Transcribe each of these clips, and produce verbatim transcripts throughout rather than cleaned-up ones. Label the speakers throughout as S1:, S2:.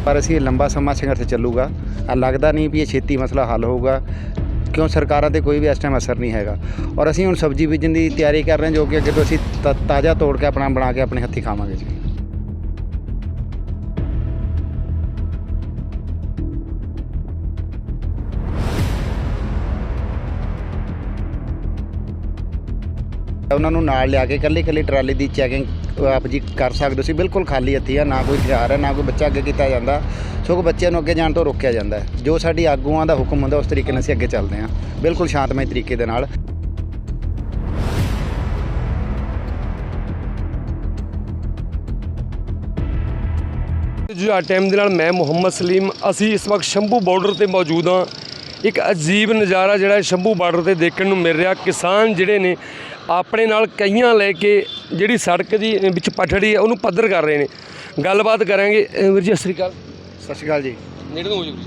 S1: पर असीं लंबा समा संघर्ष चलूगा। लगता नहीं भी ये छेती मसला हल होगा, क्यों सरकारों से कोई भी इस टाइम असर नहीं हैगा। और असीं हुण सब्जी बीजण की तैयारी कर रहे हैं, जो कि अगे तो असीं ताज़ा तोड़ के अपना बना के अपने हत्थीं खावांगे जी। उन्होंने नाल लिया के कल्ली कल्ली ट्राली की चैकिंग आप जी कर सकते हो। बिल्कुल खाली हत्थी है, ना कोई हथियार है, ना कोई बच्चा अगे किया जाता, सगों बच्चे अगे जाने तो रोकया जाता है। जो साडी आगूआं दा हुक्म होंदा उस तरीके नाल असीं अगे चलते हैं, बिल्कुल शांतमई तरीके दे नाल।
S2: जी टाइम के मैं मुहम्मद सलीम असी इस वक्त शंभू बॉर्डर पर मौजूद हाँ। एक अजीब नज़ारा जिहड़ा शंभू बॉर्डर पर देखने को मिल रहा। किसान जिहड़े ने अपने नाल कईयां लैके जिहड़ी सड़क दी विच पटड़ी है उन्होंने पद्धर कर रहे हैं। गलबात करांगे। वीर जी सत श्री अकाल।
S1: सत श्री अकाल जी।
S2: नेड़े तो हो जी।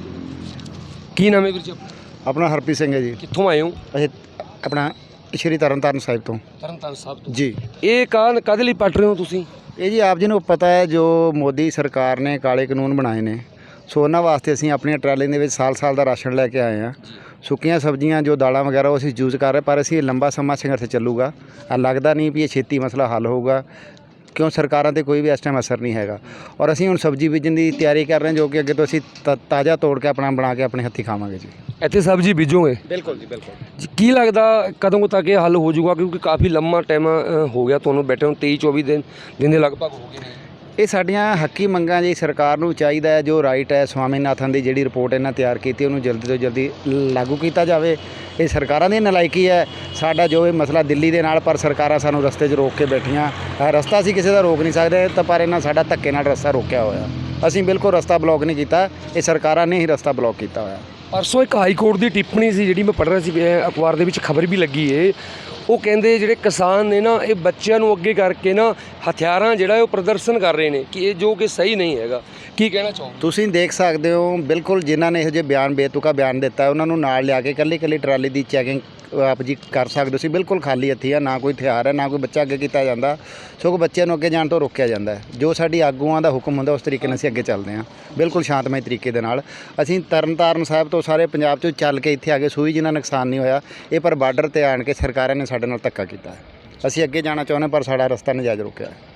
S2: की नाम है वीर जी
S1: अपना? हरप्रीत सिंह है जी।
S2: कित्थों आए हो?
S1: असीं अपना श्री तरनताਰਨ साहिब तो।
S2: तरनताਰਨ साहिब तो
S1: जी।
S2: ये कान कद लई पट रहे हो तुसीं?
S1: ये जी आप जी को पता है, जो मोदी सरकार ने काले कानून बनाए ने, सो उन्होंने वास्ते असीं अपनी ट्राली दे विच साल साल का राशन लैके आए हैं। सुक्कियां सब्जियां जो दालां वगैरह वो असीं यूज़ कर रहे, पर असीं लंबा समा संघर्ष चलूगा। लगता नहीं भी ये छेती मसला हल होगा, क्यों सरकारों से कोई भी इस टाइम असर नहीं हैगा। और असीं हुण सब्जी बीजण की तैयारी कर रहे हैं, जो कि अगे तो असीं ताज़ा तोड़ के अपना बना के अपने हत्थीं खावांगे जी।
S2: ਇੱਥੇ सब्जी बीजोगे?
S1: बिल्कुल जी बिल्कुल
S2: जी। की लगता कदों तक ये हल हो जाऊगा, क्योंकि काफ़ी लंबा टाइम हो गया तुहानूं बैठे ਨੂੰ तेईस चौबीस दिन दिन ਦੇ ਲਗਭਗ ਹੋ ਗਏ ਨੇ।
S1: ਇਹ ਸਾਡੀਆਂ ਹੱਕੀ ਮੰਗਾਂ ਜੀ ਸਰਕਾਰ ਨੂੰ ਚਾਹੀਦਾ ਹੈ, ਜੋ ਰਾਈਟ ਹੈ ਸਵਾਮੀਨਾਥਨ ਦੀ ਜਿਹੜੀ ਰਿਪੋਰਟ ਇਹਨਾਂ ਤਿਆਰ ਕੀਤੀ ਉਹਨੂੰ ਜਲਦੀ ਤੋਂ ਜਲਦੀ ਲਾਗੂ ਕੀਤਾ ਜਾਵੇ। ਇਹ ਸਰਕਾਰਾਂ ਦੀ ਨਲਾਇਕੀ ਹੈ। ਸਾਡਾ ਜੋ ਇਹ ਮਸਲਾ ਦਿੱਲੀ ਦੇ ਨਾਲ, ਪਰ ਸਰਕਾਰਾਂ ਸਾਨੂੰ ਰਸਤੇ 'ਚ ਰੋਕ ਕੇ ਬੈਠੀਆਂ। ਰਸਤਾ ਅਸੀਂ ਕਿਸੇ ਦਾ ਰੋਕ ਨਹੀਂ ਸਕਦੇ, ਤਾਂ ਪਰ ਇਹਨਾਂ ਸਾਡਾ ਧੱਕੇ ਨਾਲ ਰਸਤਾ ਰੋਕਿਆ ਹੋਇਆ। ਅਸੀਂ ਬਿਲਕੁਲ ਰਸਤਾ ਬਲੌਕ ਨਹੀਂ ਕੀਤਾ, ਇਹ ਸਰਕਾਰਾਂ ਨੇ ਹੀ ਰਸਤਾ ਬਲੌਕ ਕੀਤਾ ਹੋਇਆ।
S2: परसों एक हाई कोर्ट की टिप्पणी सी जी मैं पढ़ रहा सी अखबार के खबर भी लगी है। वो कहते जोड़े किसान ने ना ये बच्चों को अगे करके ना हथियार जोड़ा वो प्रदर्शन कर रहे हैं कि ये जो कि सही नहीं है। की कहना चाहोगे?
S1: तुसीं देख सकते हो बिल्कुल जिन्होंने यहो जिहे बयान बेतुका बयान दिता है, उन्होंने नाल लिया के कल्ली कल्ली ट्राली की चैकिंग आप जी कर सकते हो। बिल्कुल खाली हत्थी है, ना कोई हथियार है, ना कोई बच्चा अगे किया जाता, सगों बच्चे अगे जाने तो रोकया जाता है। जो साडी आगूआं दा हुक्म होंदा उस तरीके नाल असीं अगे चलते हैं, बिल्कुल शांतमई तरीके दे नाल। असीं तरनताਰਨ साहिब तो सारे पंजाब चों चल के इत्थे आ गए, सूई जिन्ना नुकसान नहीं होया। ये पर बार्डर ते आण के सरकारां ने साडे नाल धक्का कीता है। असीं अगे जाना चाहुंदे पर साडा रस्ता नजायज़ रोकिया है।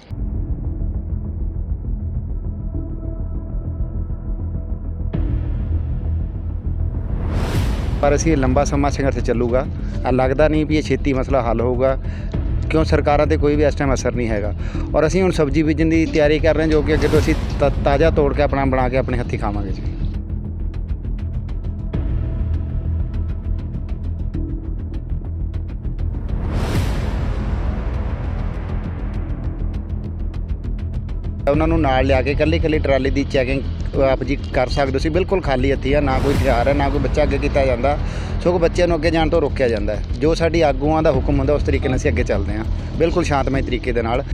S1: पर असीं लंबा समा संघर्ष चलूगा। लगता नहीं भी ये छेती मसला हल होगा, क्यों सरकारों से कोई भी इस टाइम असर नहीं हैगा। और असीं हुण सब्जी बीजण की तैयारी कर रहे हैं, जो कि अगे तो असीं ताज़ा तोड़ के अपना बना के अपने हत्थीं खावांगे जी। उन्होंने नाल लिया के कल्ली कल्ली ट्राली की चैकिंग आप जी कर सकते हो। बिल्कुल खाली हत्थी है, ना कोई हथियार है, ना कोई बच्चा अगे किया जाता, सगों बच्चे अगे जाने तो रोकया जाता है। जो साडी आगूआं दा हुक्म होंदा उस तरीके नाल असीं अगे चलते हैं, बिल्कुल शांतमई तरीके दे नाल।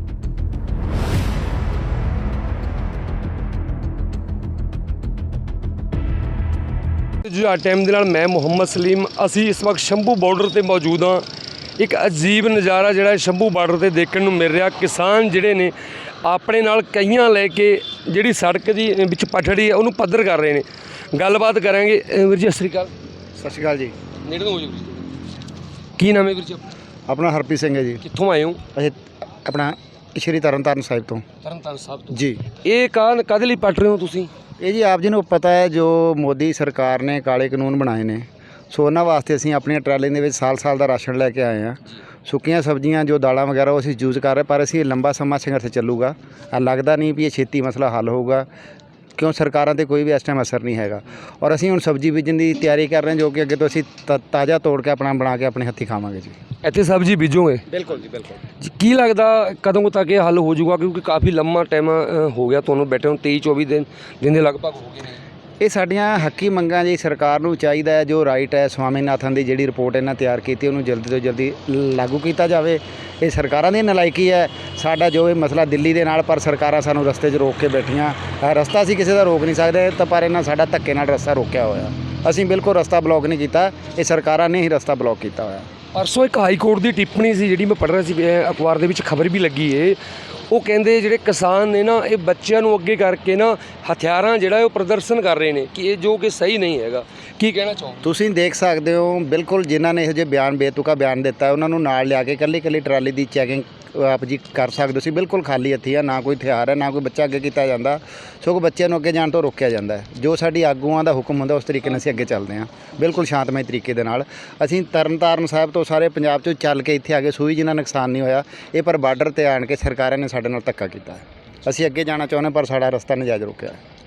S2: जी टाइम के मैं मुहम्मद सलीम असी इस वक्त शंभू बॉर्डर पर मौजूद हाँ। एक अजीब नज़ारा जिहड़ा शंभू बॉर्डर पर देखने को मिल रहा। किसान जिहड़े ने अपने नाल कईयां लैके जिहड़ी सड़क दी विच पटड़ी है उन्होंने पद्धर कर रहे हैं। गलबात करांगे। वीर जी सत श्री अकाल।
S1: सत श्री अकाल जी।
S2: नेड़े तो हो जी। की नाम है वीर जी
S1: अपना? हरप्रीत सिंह है जी।
S2: कित्थों आए हो?
S1: असीं अपना श्री तरनताਰਨ साहिब तो।
S2: तरनताਰਨ साहिब तो
S1: जी।
S2: ये कान कद लई पट रहे हो तुसीं?
S1: ये जी आप जी को पता है, जो मोदी सरकार ने काले कानून बनाए ने, सो उन्होंने वास्ते असीं अपनी ट्राली दे विच साल साल का राशन लैके आए हैं। सुक्कियां सब्जियां जो दालां वगैरह वो असीं यूज़ कर रहे, पर असीं लंबा समा संघर्ष चलूगा। लगता नहीं भी ये छेती मसला हल होगा, क्यों सरकारों से कोई भी इस टाइम असर नहीं हैगा। और असीं हुण सब्जी बीजण की तैयारी कर रहे हैं, जो कि अगे तो असीं ताज़ा तोड़ के अपना बना के अपने हत्थीं खावांगे जी।
S2: ਇੱਥੇ सब्जी बीजोगे?
S1: बिल्कुल जी बिल्कुल
S2: जी। की लगता कदों तक ये हल हो जाऊगा, क्योंकि काफ़ी लंबा टाइम हो गया तुहानूं बैठे ਨੂੰ तेईस चौबीस दिन दिन ਦੇ ਲਗਭਗ ਹੋ ਗਏ ਨੇ।
S1: ਇਹ ਸਾਡੀਆਂ ਹੱਕੀ ਮੰਗਾਂ ਜੀ ਸਰਕਾਰ ਨੂੰ ਚਾਹੀਦਾ ਹੈ, ਜੋ ਰਾਈਟ ਹੈ ਸਵਾਮੀਨਾਥਨ ਦੀ ਜਿਹੜੀ ਰਿਪੋਰਟ ਇਹਨਾਂ ਤਿਆਰ ਕੀਤੀ ਉਹਨੂੰ ਜਲਦੀ ਤੋਂ ਜਲਦੀ ਲਾਗੂ ਕੀਤਾ ਜਾਵੇ। ਇਹ ਸਰਕਾਰਾਂ ਦੀ ਨਲਾਇਕੀ ਹੈ। ਸਾਡਾ ਜੋ ਇਹ ਮਸਲਾ ਦਿੱਲੀ ਦੇ ਨਾਲ, ਪਰ ਸਰਕਾਰਾਂ ਸਾਨੂੰ ਰਸਤੇ 'ਚ ਰੋਕ ਕੇ ਬੈਠੀਆਂ। ਰਸਤਾ ਅਸੀਂ ਕਿਸੇ ਦਾ ਰੋਕ ਨਹੀਂ ਸਕਦੇ, ਤਾਂ ਪਰ ਇਹਨਾਂ ਸਾਡਾ ਧੱਕੇ ਨਾਲ ਰਸਤਾ ਰੋਕਿਆ ਹੋਇਆ। ਅਸੀਂ ਬਿਲਕੁਲ ਰਸਤਾ ਬਲੌਕ ਨਹੀਂ ਕੀਤਾ, ਇਹ ਸਰਕਾਰਾਂ ਨੇ ਹੀ ਰਸਤਾ ਬਲੌਕ ਕੀਤਾ ਹੋਇਆ।
S2: ਪਰਸੋਂ ਇੱਕ ਹਾਈ ਕੋਰਟ ਦੀ ਟਿੱਪਣੀ ਸੀ ਜਿਹੜੀ ਮੈਂ ਪੜ੍ਹ ਰਿਹਾ ਸੀ, ਅਹ ਅਖਬਾਰ ਦੇ ਵਿੱਚ ਖਬਰ ਵੀ ਲੱਗੀ ਏ। ਉਹ ਕਹਿੰਦੇ ਜਿਹੜੇ ਕਿਸਾਨ ਨੇ ਨਾ ਇਹ ਬੱਚਿਆਂ ਨੂੰ ਅੱਗੇ ਕਰਕੇ ਨਾ ਹਥਿਆਰਾਂ ਜਿਹੜਾ ਉਹ ਪ੍ਰਦਰਸ਼ਨ ਕਰ ਰਹੇ ਨੇ ਕਿ ਇਹ ਜੋ ਕਿ ਸਹੀ ਨਹੀਂ ਹੈਗਾ। ਕੀ ਕਹਿਣਾ ਚਾਹੋਗੇ?
S1: ਤੁਸੀਂ ਦੇਖ ਸਕਦੇ ਹੋ ਬਿਲਕੁਲ ਜਿਨ੍ਹਾਂ ਨੇ ਇਹੋ ਜਿਹੇ ਬਿਆਨ ਬੇਤੁਕਾ ਬਿਆਨ ਦਿੱਤਾ ਉਹਨਾਂ ਨੂੰ ਨਾਲ ਲਿਆ ਕੇ ਇਕੱਲੀ ਇਕੱਲੀ ਟਰਾਲੀ ਦੀ ਚੈਕਿੰਗ ਆਪ ਜੀ ਕਰ ਸਕਦੇ ਹੋ। ਸੀ ਬਿਲਕੁਲ ਖਾਲੀ ਹੱਥੀ ਆ, ਨਾ ਕੋਈ ਹਥਿਆਰ ਹੈ, ਨਾ ਕੋਈ ਬੱਚਾ ਅੱਗੇ ਕੀਤਾ ਜਾਂਦਾ, ਸਗੋਂ ਬੱਚਿਆਂ ਨੂੰ ਅੱਗੇ ਜਾਣ ਤੋਂ ਰੋਕਿਆ ਜਾਂਦਾ ਹੈ। ਜੋ ਸਾਡੀ ਆਗੂਆਂ ਦਾ ਹੁਕਮ ਹੁੰਦਾ ਉਸ ਤਰੀਕੇ ਨਾਲ ਅਸੀਂ ਅੱਗੇ ਚੱਲਦੇ ਹਾਂ, ਬਿਲਕੁਲ ਸ਼ਾਂਤਮਈ ਤਰੀਕੇ ਦੇ ਨਾਲ। ਅਸੀਂ ਤਰਨਤਾਰਨ ਸਾਹਿਬ ਤੋਂ ਸਾਰੇ ਪੰਜਾਬ 'ਚੋਂ ਚੱਲ ਕੇ ਇੱਥੇ ਆ ਕੇ ਸੂਈ ਜਿੰਨਾ ਨੁਕਸਾਨ ਨਹੀਂ ਹੋਇਆ, ਇਹ ਪਰ ਬਾਰਡਰ ਤੇ ਆਣ ਕੇ ਸਰਕਾਰਾਂ ਨੇ ਸਾਡੇ ਨਾਲ ਧੱਕਾ ਕੀਤਾ ਹੈ। ਅਸੀਂ ਅੱਗੇ ਜਾਣਾ ਚਾਹੁੰਦੇ ਪਰ ਸਾਡਾ ਰਸਤਾ ਨਜਾਇਜ਼ ਰੋਕਿਆ ਹੈ।